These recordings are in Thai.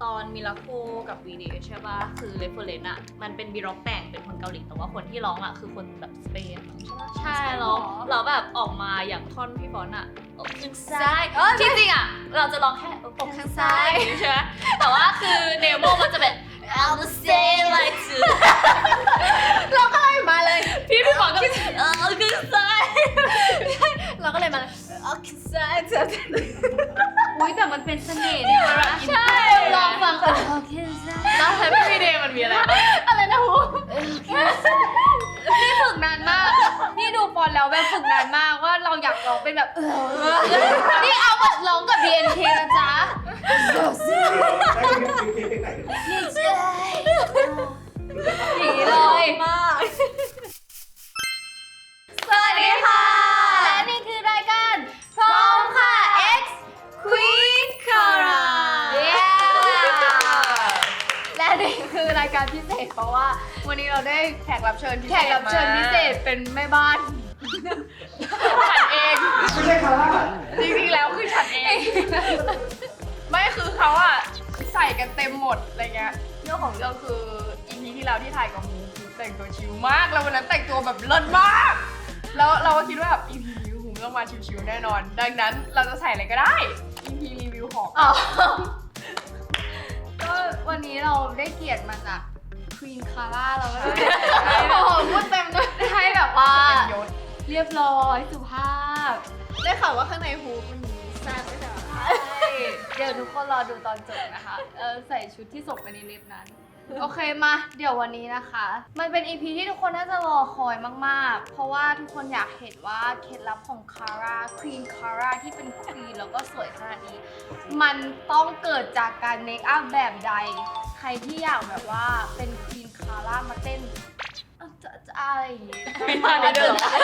ตอนมิราโคกับวีเดใช่ป่ะคือเรฟเฟอเรนซ์อ่ะมันเป็นบีร็อกแต่งเป็นคนเกาหลีแต่ว่าคนที่ร้องอ่ะคือคนแบบสเปนใช่เราแบบออกมาอย่างท่อนพี่ฟอนอ่ะอกข้างซ้ายจริงๆอ่ะเราจะร้องแค่อกข้างซ้ายใช่ไหมแต่ว่าคือเนโมมันจะแบบ I'll say like to เราก็เลยมาเลยพี่ฟอนก็ข้างซ้ายเราก็เลยมาเลยข้างซ้ายจะอุ้ยแต่มันเป็นเสน่ห์เนี่ยนะใช่ลองฟังโอเคจ้าแล้วแฮปปี้วีเดย์มันมีอะไรบ้างอะไรนะฮูนี่ฝึกนานมากนี่ดูฟอนแล้วแบบฝึกนานมากว่าเราอยากร้องเป็นแบบนี่เอาแบบร้องกับ BNK นะจ๊ะอย่างนี้เลยมากสวัสดีค่ะ และนี่คือรายการพร้อมค่ะ X Queen Kara และนี่คือรายการพิเศษเพราะว่าวันนี้เราได้แขกรับเชิญพิแขเศษกรับเชิญพิเศษเป็นแม่บ้านฉันเองไม่ใช่คาร่าจริงๆแล้วคือฉันเอง ไม่คือเขาอะใส่กันเต็มหมดอะไรเงี้ยเรื่องของเรื่องคือ EP ที่แล้วที่ถ่ายกับฮูคือแต่งตัวชิลมากแล้ววันนั้นแต่งตัวแบบเลิศมาก แล้วเราก็คิดว่าแบบ EP นี้ฮูต้องมาชิลๆแน่นอน ดังนั้นเราจะใส่อะไรก็ได้ EP รีวิวของอ๋อก็วันนี้เราได้เกียรติมาจาก Queen Kara เราก็เลยโอ้โหพูดเต็มด้วยให้แบบว่าเป็นยศเรียบร้อยสุภาพได้ข่าวว่าข้างในฮูมันมีแซ่บไม่ใช่เหรอเดี๋ยวทุกคนรอดูตอนจบนะคะใส่ชุดที่ส่งไปในลิฟต์นั้น โอเคมาเดี๋ยววันนี้นะคะ มันเป็น EP ที่ทุกคนน่าจะรอคอยมากๆ เพราะว่าทุกคนอยากเห็นว่าเคล็ดลับของ Kara Queen Kara ที่เป็น Queen แล้วก็สวยขนาดนี้ มันต้องเกิดจากการเมคอัพแบบใด ใครที่อยากแบบว่าเป็น Queen Kara มาเต้นจะอะไรอย่างงี้ไม่มาได้ด้วยเหรอ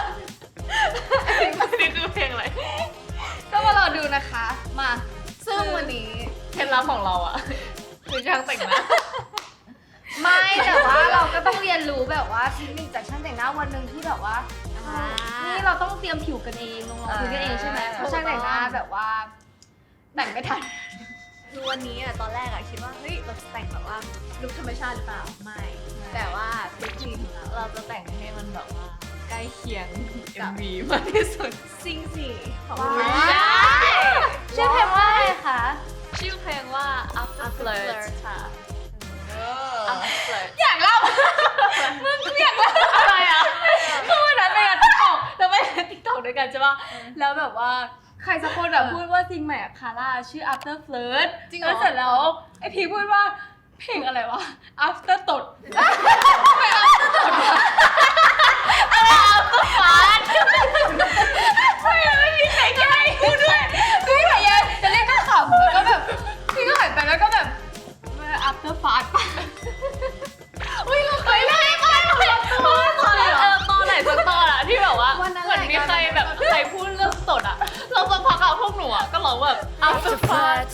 นี่คือเพลงอะไรก็มารอดูนะคะ มาซึ่งวันนี้เคล็ดลับของเราอ่ะคือช่างแต่งหน้าไม่แต่ว่าเราก็ต้องเรียนรู้แบบว่าเทคนิคจากช่างแต่งหน้าวันหนึ่งที่แบบว่า นี่เราต้องเตรียมผิวกันเองลงรองพื้นกันเองใช่ไหมเพราะช่างแต่งหน้าแบบว่า แต่งไม่ทันคือวันนี้อะตอนแรกอะคิดว่าเฮ้ยเราจะแต่งแบบว่าลุคธรรมชาติหรือเปล่าไม่ แต่ว่าลุคคลีนของเราเราจะแต่งให้มันแบบว่าใกล้เคียง MV มากที่สุดซิงสิของว้าวเราใช่ชื่อเพลงว่าอะไรคะชื่อเพลงว่า After Flirt ค่ะ After Flirt อยากเล่าอะไรอ่ะคือวันนั้นไปงานติ๊กต็อกแล้วไปงานติ๊กต็อกด้วยกันใช่ป่ะแล้วแบบว่าใครสักคนแบบพูดว่าซิงใหม่อะคาร่าชื่อ After Flirt จริงเหรแล้วเสร็อจแล้วไอพีพูดว่าเพลงอะไรวะ After ตด ไม่มีใครแก้พูดด้วยพี่พยายามจะเล่นก็ขำแล้วก็แบบพี่ก็หันไปแล้วก็แบบ after fast ป่ะอุ้ยเราเคยเล่นไหมตอนไหนสักตอนอะที่แบบว่าเหมือนมีใครแบบใครพูดเรื่องตดอะเราสักพักอะพวกหนูอะก็ร้องแบบ After Flirt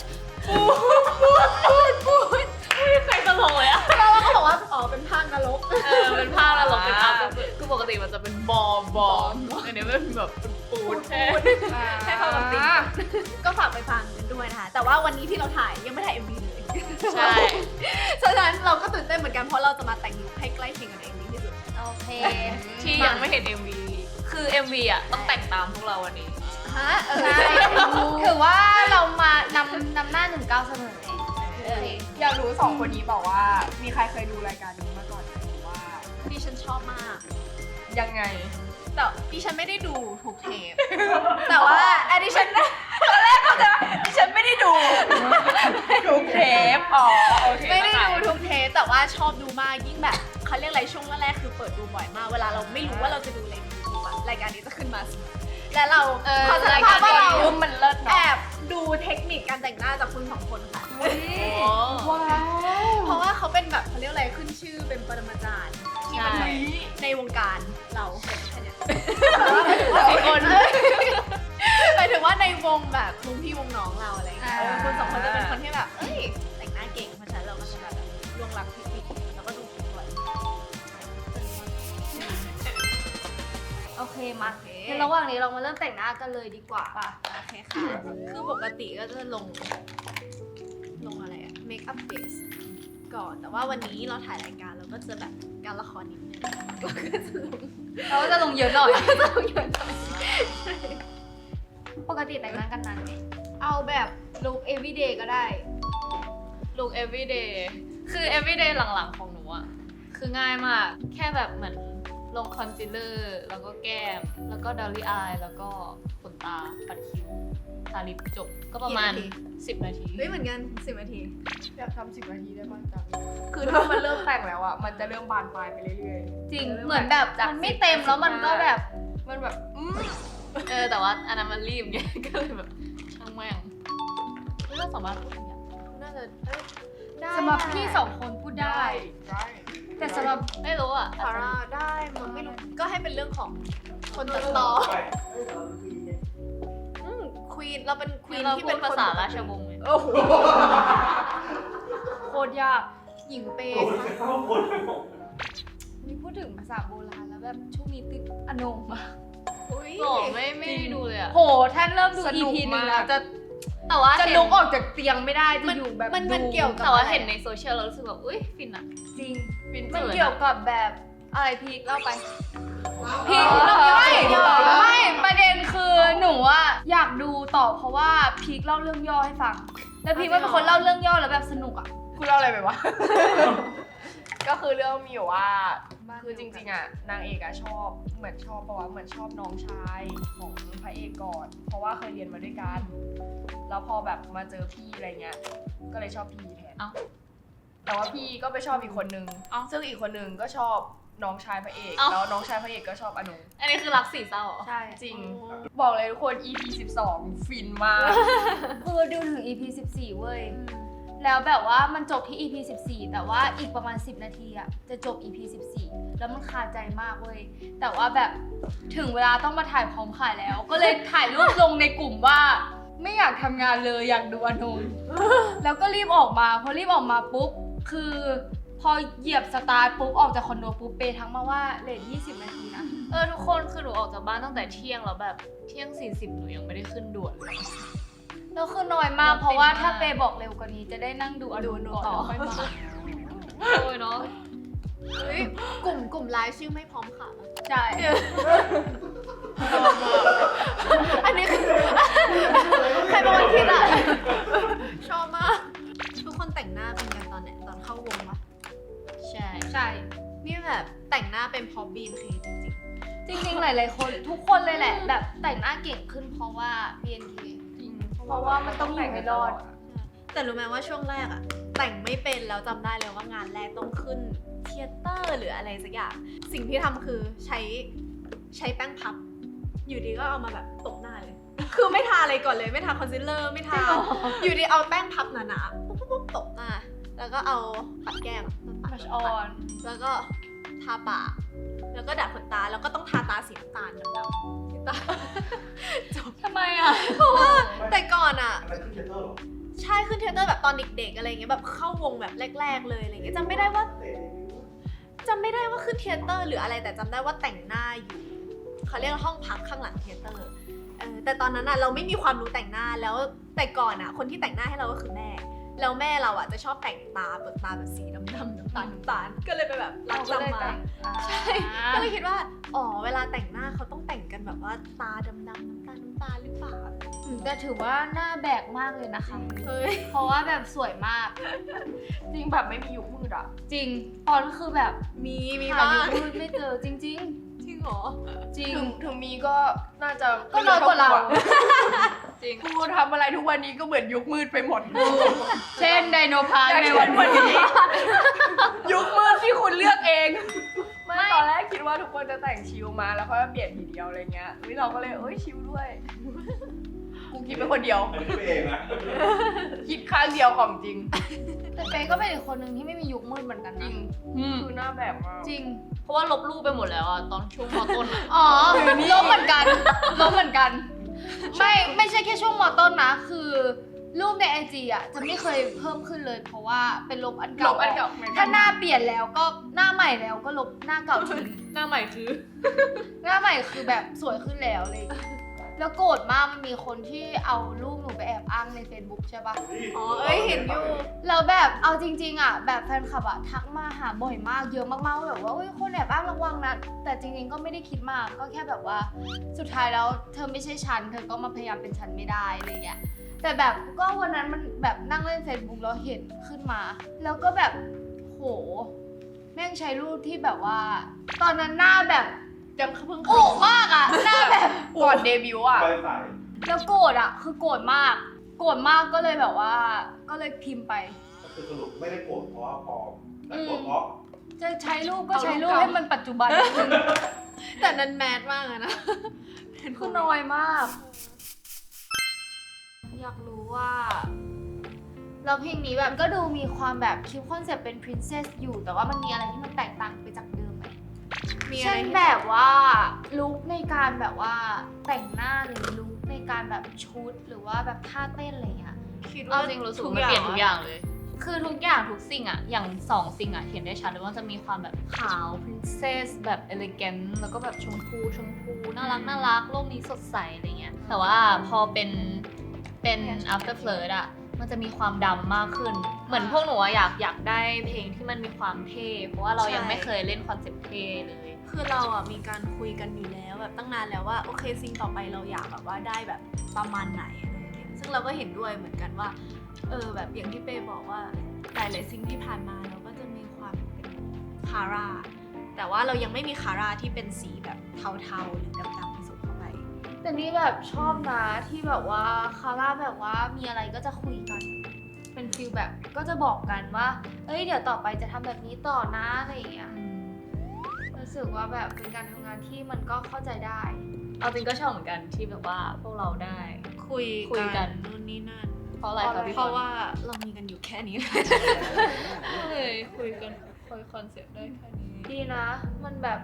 พูดไม่มีใครตลกเลยอะเราก็บอกว่าอ๋อเป็นภาคนรกเป็นผ้าแล้วเราเป็นAfter Flirt คือปกติมันจะเป็นบอมอันนี้เป็นแบบเป็นปูนให้เข้ากับตีมก็ฝากไปฟังกันด้วยนะคะแต่ว่าวันนี้ที่เราถ่ายยังไม่ถ่าย MV เลยใช่ฉะนั้นเราก็ตื่นเต้นเหมือนกันเพราะเราจะมาแต่งลุคให้ใกล้เคียงกับใน MV ที่สุดโอเคที่ยังไม่เห็น MV คือ MV อะต้องแต่งตามพวกเราวันนี้ฮะใช่ถือว่าเรามานำหน้า19เสมอเองโอเคอยากรู้สองคนนี้บอกว่ามีใครเคยดูรายการนี้มาก่อนไหมหรือว่าดิฉันชอบมากยังไงแต่ดิฉันไม่ได้ดูทุกเทป แต่ว่าดิฉันตอนแรกเขาจะดิฉันไม่ได้ดูทุกเทป อ๋อ โอเคไม่ได้ดูทุกเทปแต่ว่าชอบดูมากยิ่งแบบเขาเรียกอะไรช่วงแรกๆคือเปิดดูบ่อยมากเวลาเราไม่รู้ว่าเราจะดูอะไรในยูทูบอะรายการนี้จะขึ้นมาเสมอและเราขอสารภาพว่าเรามันเลิศแอเนาะบดูเทคนิคการแต่งหน้าจากคุณสองคนค่ะว้าวเพราะว่าเขาเป็นแบบเขาเรียกอะไรขึ้นชื่อเป็นปรมาจารย์ที่มันแบบในวงการเราเป็นแค่เนี้ยหมายถึงว่าในวงแบบวงพี่วงน้องเราอะไรอย่างเงี้ยคุณสองคนจะเป็นคนที่แบบเอ้ยแต่งหน้าเก่งเพราะฉะนั้นเราก็จะแบบล่วงลับเทคนิคแล้วก็ดูคลิปบ่อยโอเคมาในระหว่างนี้เรามาเริ่มแต่งหน้ากันเลยดีกว่าโอเคค่ะคือปกติก็จะลงอะไรอะเมคอัปเดตก่อนแต่ว่าวันนี้เราถ่ายรายการเราก็จะแบบการละครนิดนึงเราก็จะลงเราจะลงเยอะหน่อยจะลงเยอะหน่อยปกติแต่งหน้ากันนานไหมเอาแบบลุค everyday ก็ได้ look everyday คือ everyday หลังๆของหนูอะคือง่ายมากแค่แบบเหมือนลงคอนซีลเลอร์แล้วก็แก้มแล้วก็ดอลลี่อายแล้วก็ขนตาปัดคิ้วทาลิปจบก็ประมาณ10 นาทีเฮ้ยเหมือนกัน10 นาทีอยากทำ10 นาทีได้บ้างจังคือถ้ามันเริ่มแต่งแล้วอ่ะมันจะเริ่มบานปลายไปเรื่อยจริง เหมือนแบบมันไม่เต็มแล้วมันก็แบบๆมันแบบแต่ว่าอันนั้นมันรีบไง ก็เลยแบบช่างแม่งไม่ต้องสามารถพูดอย่างเงี้ยน่าจะได้สำหรับพี่สองคนพูดได้ได้แต่สำหรับไม่รู้อ่ะฟาร่าได้มันไม่รู้ก็ให้เป็นเรื่องของคนตัดต่อควีนเราเป็นควีนเราที่พูเป็ดนภาคนษาราชวงศ์ไงโอ้โหโคตรยากหญิงเปย์นี่พูดถึงภาษาโบราณแล้วแบบช่วงนี้ติดอนงมากอุ้ยโอ้ไม่ได้ดูเลยอ่ะโหถ้าเริ่มดู EP หนึ่งแล้วจะแต่ว่าจะเห็นลุกออกจากเตียงไม่ได้จะอยู่แบบมันดูเกี่ยวกับแต่ว่าอะไรเห็นในโซเชียลเรารู้สึกแบบอุ้ยฟินอ่ะจริงฟินมันเกินเกี่ยวกับแบบอะไรพีคเล่าไปพีอ๋คอไม่ประเด็นคือหนูอะอยากดูต่อเพราะว่าพีคเล่าเรื่องย่อให้ฟัง แล้วพีคว่าเป็นคนเล่าเรื่องย่อแล้วแบบสนุกอะคุณเล่าอะไรไปวะ ก็คือเรื่องมีอยู่ว่า คือจริงๆอ่ะนางเอกอะชอบเหมือนชอบปะวะเหมือนชอบน้องชายของพระเอกก่อน เพราะว่าเคยเรียนมาด้วยกัน แล้วพอแบบมาเจอพี่อะไรเงี้ย ก็เลยชอบพี่แทนเอ้าแต่ว่าพี่ก็ไปชอบอีกคนนึงเอ้าซึ่งอีกคนนึงก็ชอบน้องชายพระเอกเอ้าแล้วน้องชายพระเอกก็ชอบอนุอันนี้คือรักสี่เศร้าเหรอใช่จริง บอกเลยทุกคน EP 12 ฟินมากคือดูถึง EP 14 เว้ย แล้วแบบว่ามันจบที่ EP 14 แต่ว่าอีกประมาณ 10 นาทีอะจะจบ EP 14 แล้วมันคาใจมากเว้ย แต่ว่าแบบถึงเวลาต้องมาถ่ายพร้อมขายแล้ว ก็เลยถ่ายรูปลงในกลุ่มว่า ไม่อยากทำงานเลยอยากดูอนง แล้วก็รีบออกมาพอรีบออกมาปุ๊บ คือพอเหยียบสตาร์ทปุ๊บออกจากคอนโดปุ๊บเปย์ทั้งมาว่าเลท20 นาทีนะทุกคนคือหนูออกจากบ้านตั้งแต่เที่ยงแล้วแบบเที่ยง 40หนูยังไม่ได้ขึ้นด่วนเลยแล้วคือน้อยมากเพราะว่าถ้าเปย์บอกเร็วกว่านี้จะได้นั่งดูอนงก่อนแล้วค่อยมาโอ้ยเนาะเฮ้ยกลุ่มไลฟ์ชื่อไม่พร้อมค่ะใช่อันนี้คือใครเป็นคนคิดอ่ะ ชอบมาก ทุกคนแต่งหน้าเป็นกันตอนไหนตอนเข้าวงปะใช่ใช่นี่แบบแต่งหน้าเป็นเพอบีนเคจริงจริงๆ หลายๆ คนทุกคนเลยแหละ แบบแต่งหน้าเก่งขึ้นเพราะว่า BNK เพราะว่ามันต้องอยู่ให้รอดๆแต่รู้ไหมว่าช่วงแรกอะแต่งไม่เป็นแล้วจำได้เลยว่างานแรกต้องขึ้นเธียเตอร์หรืออะไรสักอย่าง สิ่งที่ทำคือใช้แป้งพับ อยู่ดีก็เอามาแบบตบหน้าเลย คือไม่ทาอะไรก่อนเลยไม่ทาคอนซีลเลอร์ไม่ทา อยู่ดีเอาแป้งพับหนาๆปุ๊บตบหน้า แล้วก็เอาปัดแก้มปัด Blush on แล้วก็ทาปากแล้วก็ดัดขนตาแล้วก็ต้องทาตาสีน้ำตาลดำๆที่ตาทำไมอ่ะแต่ก่อนอ่ะ ใช่ขึ้นเทยเตอร์แบบตอนเด็กๆอะไรเงี้ยแบบเข้าวงแบบแรกๆเลยอะไรเงี้ยจำไม่ได้ว่าขึ้นเทยเตอร์หรืออะไรแต่จำได้ว่าแต่งหน้าอยู่เขาเรียกว่าห้องพักข้างหลังเทยเตอร์แต่ตอนนั้นอ่ะเราไม่มีความรู้แต่งหน้าแล้วแต่ก่อนอ่ะคนที่แต่งหน้าให้เราก็คือแม่แล้วแม่เราอ่ะจะชอบแต่งตาเปิดตาแบบสีดำๆน้ำตาลก็เลยไปแบบรับจำมา ใช่ ก็เลยคิดว่า อ๋อ เวลาแต่งหน้าเขาต้องแต่งกันแบบว่าตาดำๆน้ำตาลหรือเปล่าแต่ถือว่าหน้าแบกมากเลยนะคะเฮ้ยเพราะว่าแบบสวยมากจริงแบบไม่มียุคมืดอ่ะจริง ตอนคือแบบมีหาบ้างยุคมืดไม่เจอจริงจริงเหรอๆ จริงถึงมีก็น่าจะก็น้อยกว่าเราจริงกูทำอะไรทุกวันนี้ก็เหมือนยุคมืดไปหมดเช่นไดโนพาร์คอย่างในเช่วันนนี้ยุคมืดที่คุณเลือกเอง ไม่ตอนแรกคิดว่าทุกคนจะแต่งชิลมาแล้วค่อยมาเปลี่ยนทีเดียวอะไรเงี้ยเราก็เลยชิลด้วย กูคิดเป็นคนเดียวอันนี้ไม่เองนะคิดข้างเดียวของจริงแต่เป๊ก็เป็นอีกคนหนึ่งที่ไม่มียุคมืดเหมือนกันจรินะง คือหน้าแบบมากจริงเพราะว่าลบรูปไปหมดแล้วอะตอนช่วงมต้นอะอ๋อลบเหมือนกันลบเหมือนกัน ไม่ใช่แค่ช่วงมต้นนะ คือรูปใน IG อ่ะจะไม่เคยเพิ่มขึ้นเลย เพราะว่าเป็นลบอันลเก่าบอันเก่าถ้าหน้าเปลี่ยนแล้วก็หน้าใหม่แล้วก็ลบหน้าเก่าทิ้งหน้าใหม่คือหน้าใหม่คือแบบสวยขึ้นแล้วเลยแล้วโกรธมากมันมีคนที่เอารูปหนูไปแอบอ้างใน Facebook ใช่ปะอ๋อเห็นอยู่แล้วแบบเอาจริงๆอ่ะแบบแฟนคลับอ่ะทักมาหาบ่อยมากเยอะมากๆว่าแบบว่าคนแอบอ้างระวังนะแต่จริงๆก็ไม่ได้คิดมากก็แค่แบบว่าสุดท้ายแล้วเธอไม่ใช่ฉันเธอก็มาพยายามเป็นฉันไม่ได้อะไรเงี้ยแต่แบบก็วันนั้นมันแบบนั่งเล่น Facebook แล้วเห็นขึ้นมา แล้วก็แบบโหแม่งใช้รูปที่แบบว่า ตอนนั้นหน้าแบบยังเพิ่งโอ้มากอ่ะหน้าแบบก่อนเดบิวต์อ่ะไปใส่แล้วโกรธอ่ะคือโกรธมากก็เลยแบบว่าก็เลยพิมพ์ไปก็คือสรุปไม่ได้โกรธเพราะว่าปลอมแต่โกรธเพราะจะใช้รูปก็ใช้รูปให้มันปัจจุบันแต่นั้นแมสมากอะนะคือน้อยมาก อยากรู้ว่าแล้วเพลงนี้แบบก็ดูมีความแบบคิดคอนเซ็ปต์เป็น princess อยู่แต่ว่ามันมีอะไรที่มันแตกต่างไปจากเดิมไหมมีอะไรเช่นแบบว่าลุคในการแบบว่าแต่งหน้าหรือลุคในการแบบชุดหรือว่าแบบท่าเต้นอะไรอย่างเงี้ยคิดเอาว่าจริงรู้สึกว่ามันเปลี่ยนทุกอย่างเลย คือทุกอย่างทุกสิ่งอะอย่าง2สิ่งอะเห็นได้ชัดเลยว่าจะมีความแบบขาว princess แบบ elegant แล้วก็แบบชมพูน่ารักโลกนี้สดใสอะไรเงี้ย แต่ว่าพอเป็น after flirt อะมันจะมีความดำมากขึ้น เหมือนพวกหนูอะอยากได้เพลงที่มันมีความเท่ เพราะว่าเรายังไม่เคยเล่นคอนเซ็ปต์เท่เลยคือเราอ่ะมีการคุยกันอยู่แล้วแบบตั้งนานแล้วว่าโอเคซิงต่อไปเราอยากแบบว่าได้แบบประมาณไหนอะไรอย่างเงี้ยซึ่งเราก็เห็นด้วยเหมือนกันว่าแบบอย่างที่เป้บอกว่าหลายๆซิงที่ผ่านมาเราก็จะมีความเป็นคาร่าแต่ว่าเรายังไม่มีคาร่าที่เป็นสีแบบเทาๆหรือดำๆผสมเข้าไปแต่นี่แบบชอบนะที่แบบว่าคาร่าแบบว่ามีอะไรก็จะคุยกัน เป็นฟีลแบบก็จะบอกกันว่าเอ้ยเดี๋ยวต่อไปจะทำแบบนี้ต่อนะอะไรอย่างเงี้ยรู้สึกว่าแบบเป็นการทำงานที่มันก็เข้าใจได้เอาจริงก็ชอบเหมือนกันที่แบบว่าพวกเราได้คุยคุยกันนู่นนี่นั่นเพราะอะไรคะพี่เพราะว่าเรามีกันอยู่แค่นี้เลยคุยกันคุยคอนเซ็ปต์ได้แค่นี้ดีนะ มันแบบ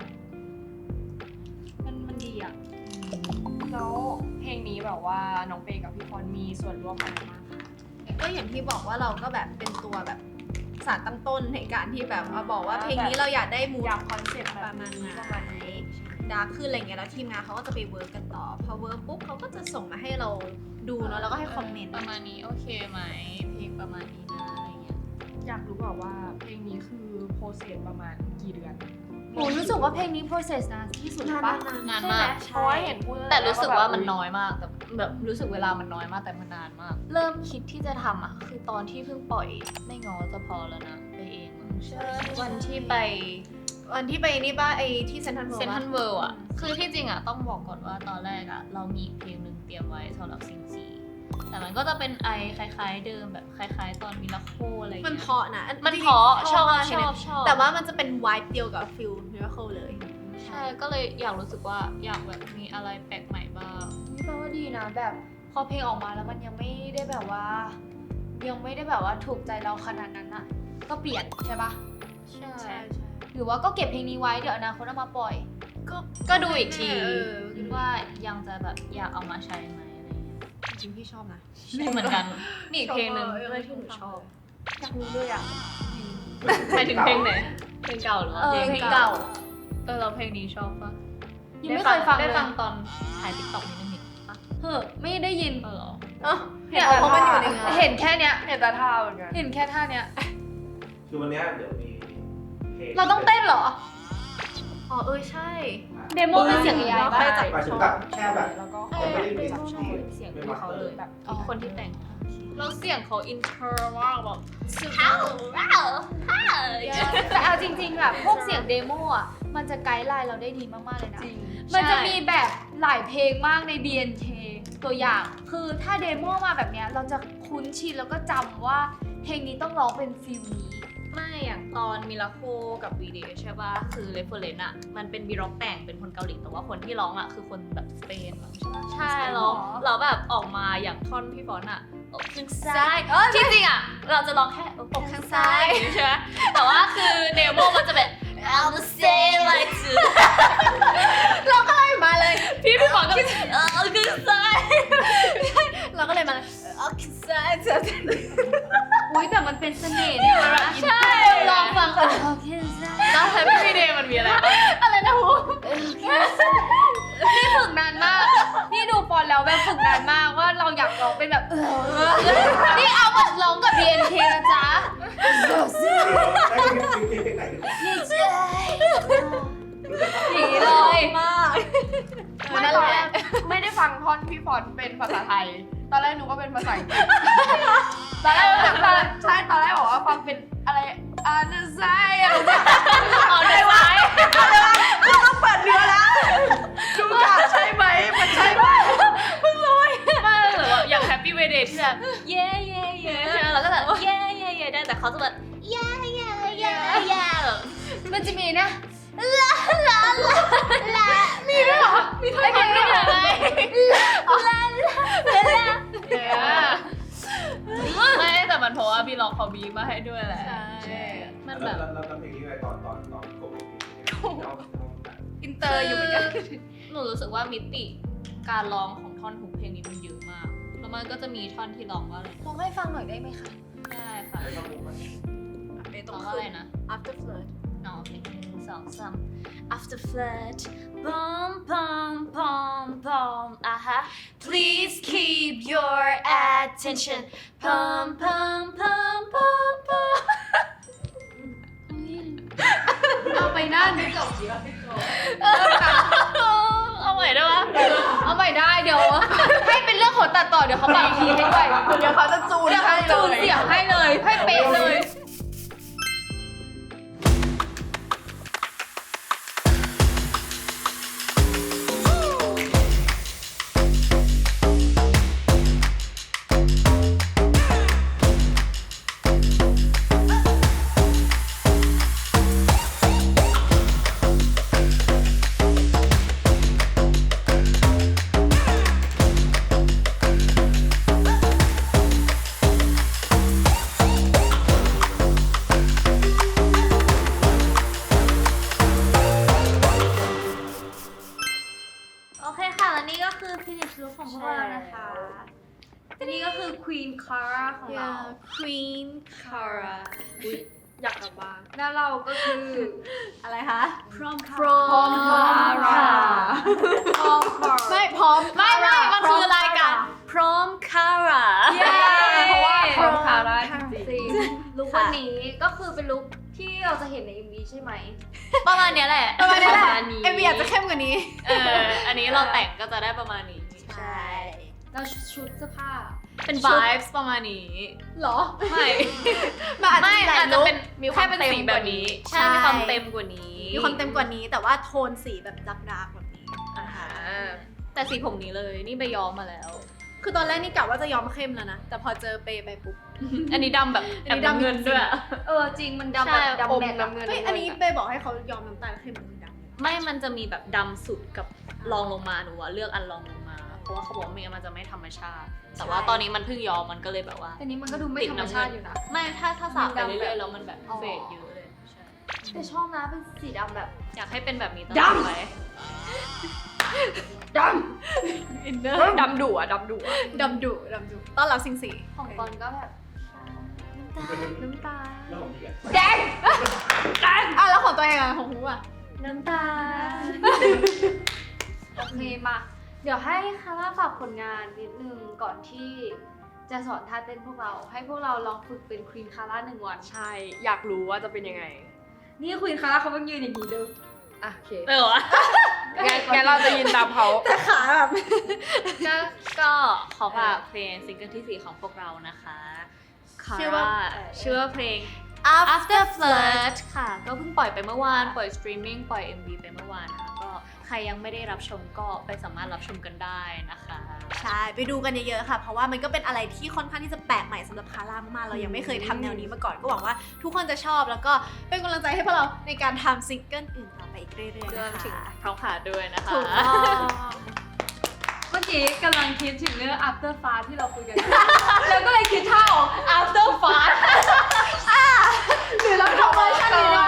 มันดีอะแล้วเพลงนี้แบบว่าน้องเปกับพี่พรมีส่วนร่วมอะไรบ้างคะก็อย่างที่บอกว่าเราก็แบบเป็นตัวแบบสารตั้งต้นในการที่แบบมาบอกว่าเพลงนี้เราอยากได้มูดอยากคอนเซ็ปต์ปแบระบมาณนี้ไหนประมาณนี้ดาร์กขึ้นอะไรเงี้ยแล้วทีมงานเขาก็จะไปเวิร์กกันต่อพอเวิร์กปุ๊บเขาก็จะส่งมาให้เราดูเนาะแล้วก็ให้คอมเมนต์ประมาณนี้โอเคไหมเพลงประมาณนี้นะอะไรเงี้ยอยากรู้แบบว่าเพลงนี้คือโปรเซสประมาณกี่เดือนโหรู้สึกว่าเพลงนี้ process นานที่สุดปะนานใช่ไหมากเพราะว่าเห็นพูดแต่รู้สึกว่ามันน้อยมากแต่แบบรู้สึกเวลามันน้อยมากแต่มันนานมาก เริ่มคิดที่จะทำอ่ะคือตอนที่เพิ่งปล่อยไม่ง้อจะพอแล้วนะไปเองมั้งใช่วันที่ไปวันที่ไปนี่ป่ะไอที่เซนทรัลเวิลด์เซนทันเวิลด์อ่ะคือที่จริงอ่ะต้องบอกก่อนว่าตอนแรกอ่ะเรามีเพลงหนึ่งเตรียมไว้สำหรับซิงซีแต่มันก็จะเป็นไอคล้ายๆเดิมแบบคล้ายๆ ตอนมิราโคอะไรอย่างมันเงี้ยเพราะนะมันเพราะชอบมากเลยนะชอบแต่ว่ามันจะเป็นวายเดียวกับฟิลมิราเคิลเลยใช่ก็เลยอยากรู้สึกว่าอยากแบบมีอะไรแปลกใหม่บ้างนี่แปลว่าดีนะแบบพอเพลงออกมาแล้วมันยังไม่ได้แบบว่า ยังไม่ได้แบบว่าถูกใจเราขนาดนั้นอะก็เปลี่ยนใช่ปะใช่ใช่หรือว่าก็เก็บเพลงนี้ไว้เดี๋ยวอนาคตเอามาปล่อยก็ดูอีกทีเออว่ายังจะแบบอยากเอามาใช้ไหมอะไรเงี้ยจริงๆพี่ชอบนะเหมือนกันมีอีกเพลงหนึ่งด้วยที่หนูชอบอยากรู้ด้วยอะหมายถึงเพลงไหนเพลงเก่าหรือว่าเพลงเก่าเราเพลงนี้ชอบปะยังไม่เคยฟังเลยได้ฟังตอนถ่ายติ๊กต็อกนิดนึงนี่ปะเฮ้อไม่ได้ยินเออเหรอเอ้าเนี่ยเพราะมันอยู่ในงานเห็นแค่เนี้ยเห็นแต่ท่าเหมือนกันเห็นแค่ท่าเนี้ยคือวันเนี้ยเดี๋ยวมีเพลงเราต้องเต้นเหรออ๋อใช่เดโมเป็นเสียง AI เราป่ะค่อยจับหมายถึงแบบแค่แบบแล้วก็ยังไม่ได้มีชอบที่เสียงไม่ที่มาเขาเลเลยยแบบคนที่แต่งแล้วเสียงเขาอินเทอร์มากแบบว้าวแต่เอาจริงๆแบบพวกเสียงเดโมอ่ะมันจะไกด์ไลน์เราได้ดีมากๆเลยนะจริงมันจะมีแบบหลายเพลงมากใน BNK ตัวอย่าง คือถ้าเดโมมาแบบเนี้ยเราจะคุ้นชินแล้วก็จำว่าเพลงนี้ต้องร้องเป็นฟิลนี้ไม่อย่างตอนมิราโคกับวีเดใช่ป่ะคือเรฟเฟอร์เรนซ์อะมันเป็นบีร็อกแต่งเป็นคนเกาหลีแต่ว่าคนที่ร้องอะคือคนแบบสเปนมั้งใช่ปะใช่เราแบบออกมาอย่างท่อนพี่ฟอนอะอกข้างซ้ายที่จริงอะเราจะร้องแค่อกข้างซ้ายใช่ไหมแต่ว่าคือเดโมมันจะแบบ I'll say like to มาเลยพี่ฟอนก็ข้างซ้ายเราก็เลยมาเลยโอเคใช่เจออุ้ยแต่มันเป็นเสน่ห์นี่นะใช่ลองฟังกันโอเคจ้ะแล้วแฮปปี้วีเดย์มันมีอะไรบ้างอะไรนะฮูนี่ฝึกนานมาก นี่ดูฟอนแล้วแบบฝึกนานมากว่าเราอยากร้องเป็นแบบนี่เอามาร้องกับ BNK นะจ๊ะได้เพลงไหนหนีเลยมากนั่นแหละไม่ได้ฟังท่อนพี่ฟอนเป็นภาษาไทย ตอนแรกหนูก็เป็นภาษาอังกฤษตอนแรกใช่ตอนแรกบอกว่าฟังเป็นอะไรอันไซอะไรเอาได้ไหมต้องเปิดเนื้อแล้วดูค่ะใช่ไหมมันใช่ไหมไม่หรือว่าอย่างแฮปปี้เวเดย์ที่แบบเย่เย่เย่ใช่ไหมเราก็แบบเย่เย่เย่ได้แต่เขาจะแบบเย่เย่เย่เย่แบบมันจะมีนะมีด้วยเหรอมีท่อนนี้ด้วยเหรอไม่แต่มันเพราะว่าพี่ลองเขาบีมาให้ด้วยแหละใช่มันแบบแล้วเพลงนี้ไงตอนกบอินเตอร์อยู่เหมือนกันหนูรู้สึกว่ามิติการร้องของท่อนฮุกเพลงนี้มันเยอะมากแล้วมันก็จะมีท่อนที่ร้องว่าอะไรร้องให้ฟังหน่อยได้ไหมคะได้ค่ะไม่ต้องมุกมันเปตรร้อง งว่าว่าอะอะไร ไรนะนะ after flirt น้องเพลง1 2 3 after flirt bum bum bum bum please keep your attention pum pum pum pum pum เอาไปนั่นเอาใหม่ได้ปะเอาใหม่ได้เดี๋ยว ให้เป็นเรื่องของตัดต่อเดี๋ยวเขาปรับคีย์ให้ด้วยเดี๋ยวเขาจะจูนเดี๋ยวเขาให้เลจูนยเสียงให้เลยให้เป๊ะเลยโอเคค่ะและนี่ก็คือ finish look ของพวกเรานะคะและนี่ก็คือ Queen Cara ของเรา Queen Cara อยากกลับบ้านแล้วเราก็คืออะไรคะ Prom Prom Cara ไม่พร้อมไม่มันคือรายการ Prom Cara เพราะว่าพร้อมคาร่าจริงจริงลุควันนี้ก็คือเป็นลุคที่เราจะเห็นใน MV ใช่ไหมประมาณเนี้ยแหละประมาณนี้แหละประมาณนี้เอ็มวีอาจจะเข้มกว่านี้อันนี้เราแต่งก็จะได้ประมาณนี้ใช่แล้วชุดเสื้อผ้าเป็น vibes ประมาณนี้เหรอไม่มันอาจจะไม่มีหลายอาจจะลุคเป็นแค่เป็นสีแบบนี้ ใช่ มีความเต็มกว่านี้มีความเต็มกว่านี้แต่ว่าโทนสีแบบดาร์กๆแบบนี้แต่สีผมนี้เลย นี่ไปย้อมมาแล้วคือตอนแรกนี่กะว่าจะย้อมเข้มแล้วนะ แต่พอเจอเปย์ไปปุ๊บอันนี้ดำแบบอันนี้แอบดำน้ำเงินด้วยจริงมันดำใช่แบบอดำมแมทน้ำเงินเฮ้ยอันนี้เปย์บอกให้เขาย้อมน้ำตาลเข้มเหมือนดำไม่ มันจะมีแบบดำสุดกับรองลงมาหนูว่าเลือกอันรองลงมา เพราะว่าเขาบอกว่าไม่งั้นมันจะไม่ธรรมชาติ แต่ว่าตอนนี้มันเพิ่งย้อมมันก็เลยแบบว่าแต่นี้มันก็ดูไม่ธรรมชาติอยู่นะไม่ถ้าสระไปมันดำเรื่อยๆแล้วมันแบบเฟดเยอะเลยใช่แต่ชอบนะเป็นสีดำแบบอยากให้เป็นแบบนี้ตลอดไปดำดำดุอ่ะดำดุอ่ะดำดุต้อนรับสิงสีของกอนก็แบบน้ำตาแล้วผมอีกอ่ะแดงอ่ะแล้วของตัวเองอะของฮูอะน้ำตา โอเคมา เดี๋ยวให้คาร่าฝากผลงานนิดนึงก่อนที่จะสอนท่าเต้นพวกเรา ให้พวกเราลองฝึกเป็นควีนคาร่า1 วันใช่ อยากรู้ว่าจะเป็นยังไงนี่ควีนคาร่าเขาเพิ่งยืนอย่างนี้ดูอ่ะโอเควะงั้นเราจะยินตามเขาแต่ขาแบบก็ขอฝากเพลงซิงเกิลที่ 4 ของพวกเรานะคะชื่อว่าชื่อว่าเพลง After After Flirt ค่ะ ก็เพิ่งปล่อยไปเมื่อวาน ปล่อยสตรีมมิ่ง ปล่อย MV ไปเมื่อวานค่ะ ก็ใครยังไม่ได้รับชมก็ไปสามารถรับชมกันได้นะคะใช่ ไปดูกันเยอะๆค่ะ เพราะว่ามันก็เป็นอะไรที่ค่อนข้างที่จะแปลกใหม่สำหรับคาร่ามากๆเรายังไม่เคยทำแนวนี้มาก่อน ก็หวังว่าทุกคนจะชอบ แล้วก็เป็นกำลังใจให้พวกเราในการทำซิงเกิลอื่นต่อไปอีกเรื่อยๆรวนะมถึงคะพร้อมขาด้วยนะคะถูกต้องเมื่อกี้กำลังคิดถึงเรื่อง after fast ที่เราคุยกัน แล้วก็เลยคิดท่าออก after fast หรือเราทำเวอร์ชันนี้เนาะ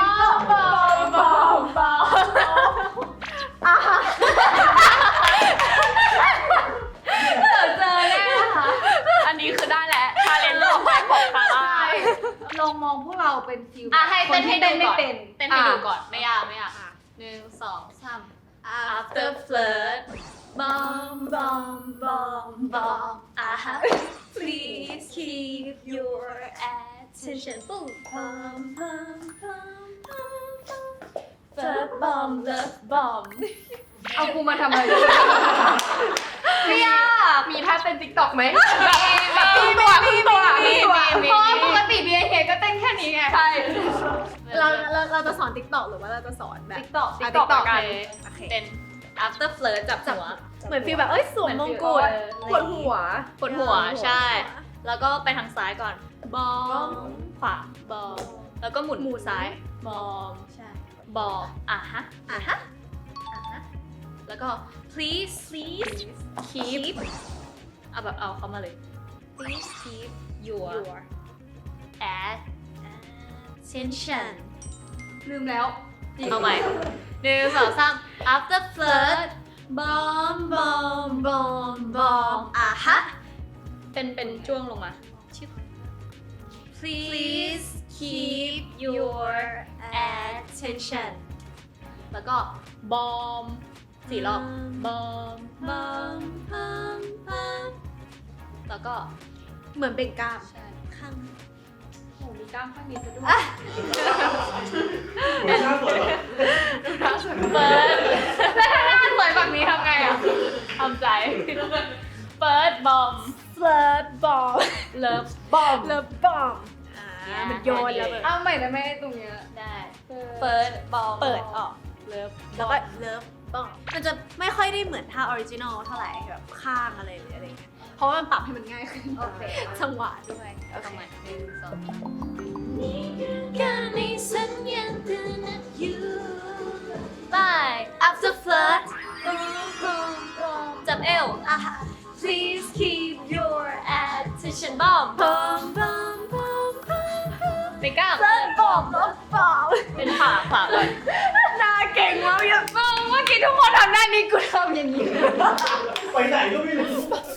เจอแน่ค่ะอันนี้คือได้แล้วชาเลนจ์ต่อไปของคาร่าลองมองพวกเราเป็นฟิลให้เต้นให้ดูไม่ก่อนเป็นเต้นให้ดูก่อน ไม่ยาก 1 2 3 After Flirt bomb bomb bomb bomb please keep your attention boom bomb bomb bomb bomb love bomb love bomb เอากูมาทำอะไรไม่ยาก มีท่าเต้นติ๊กต็อกไหมแบบครึ่งตัวเพราะว่าปกติ BNK ก็เต้นแค่นี้ไง ใช่เราจะสอน TikTok หรือว่าเราจะสอนแบบ TikTok อ่ะ TikTok TikTok กันโอเคเป็น after flirt จับหัวเหมือนฟีลแบบเอ้ยสวมมงกุฎปวดหัวปวดหัวใช่ แล้วก็ไปทางซ้ายก่อนบอมขวาบอมแล้วก็หมุนซ้ายบอมใช่บอมอ่ะฮะอ่ะฮะแล้วก็ please keep เอาแบบเอาเข้ามาเลย please keep your attention ลืมแล้วเอาใหม่1 2 3 after flirt bomb bomb bomb bomb อ่ะฮะเป็นช่วงลงมา please keep your attention แล้วก็ bomb 4 รอบ bomb bomb bomb bomb แล้วก็เหมือนเป็นกล้ามใช่ข้างโอ้มีกล้ามข้างนี้ซะด้วยหัวหน้าสวยเหรอเปิดหน้าสวยแบบนี้ทำไงอ่ะทำใจ เปิด bomb flirt bomb love bomb love bomb มันโยนแล้วเอาใหม่ได้ไหมตรงเนี้ยได้เปิด bomb เปิดออก love แล้วก็ love bomb มันจะไม่ค่อยได้เหมือนท่าออริจินอลเท่าไหร่แบบข้างอะไรหรืออะไรเงี้ยเพราะว่ามันปรับให้มันง่ายขึ้นโอเคจังหวะด้วยเอาใหม่1 2 การในสัญญาณเตือนนัดอยู่ Bye after flirt จับเอว Please keep your attention bomb bomb bomb bomb bomb เป็นกล้าม flirt bomb love bomb เป็นขาก่อนหน้าเก่งมากอย่างมึงเมื่อกี้ทุกคนทำหน้านี้กูทำอย่างนี้ไปไหนก็ไม่รู้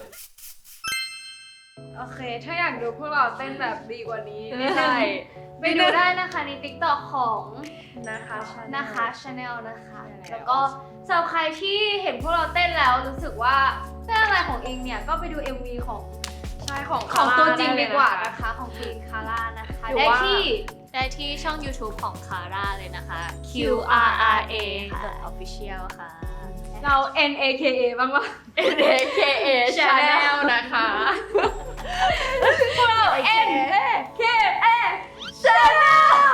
โอเค ถ้าอยากดูพวกเราเต้นแบบดีกว่านี้ไม่ใช่ไปดูได้นะคะใน TikTok ของนะคะนะคะ Channel นะคะใช่แล้วแล้วก็สำหรับใครที่เห็นพวกเราเต้นแล้วรู้สึกว่าเต้นอะไรของเองเนี่ยก็ไปดู MV ของใช่ของของตัวจริงดีกว่านะนะคะ ของปีนคาร่านะคะหรือได้ว่าที่ช่อง YouTube ของคาร่าเลยนะคะ QRRA.official ค่ะเรา NAKA บ้างวะ NAKA Channel นะคะพวกเรา NAKA Channel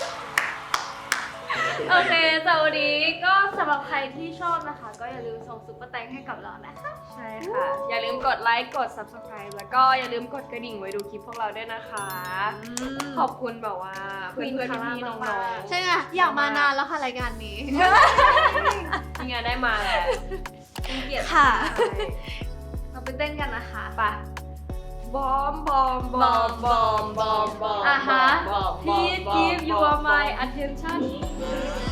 โอเคสวัสดีก็สำหรับใครที่ชอบนะคะ ก็อย่าลืมส่งซุปเปอร์แตงให้กับเรานะคะใช่ค่ะ อย่าลืมกดไลค์ กด subscribe แล้วก็อย่าลืมกดกระดิ่งไว้ดูคลิปพวกเราด้วยนะคะ ขอบคุณแบบว่าเพื่อนๆพี่ๆน้องๆใช่ไงอยากมานานแล้วค่ะรายการนี้นี่ไงได้มาแล้วค่ะเราไปเต้นกันนะคะไปบอมบอมบอมบอมบอมบอมอ่ะฮะ Please give you my attention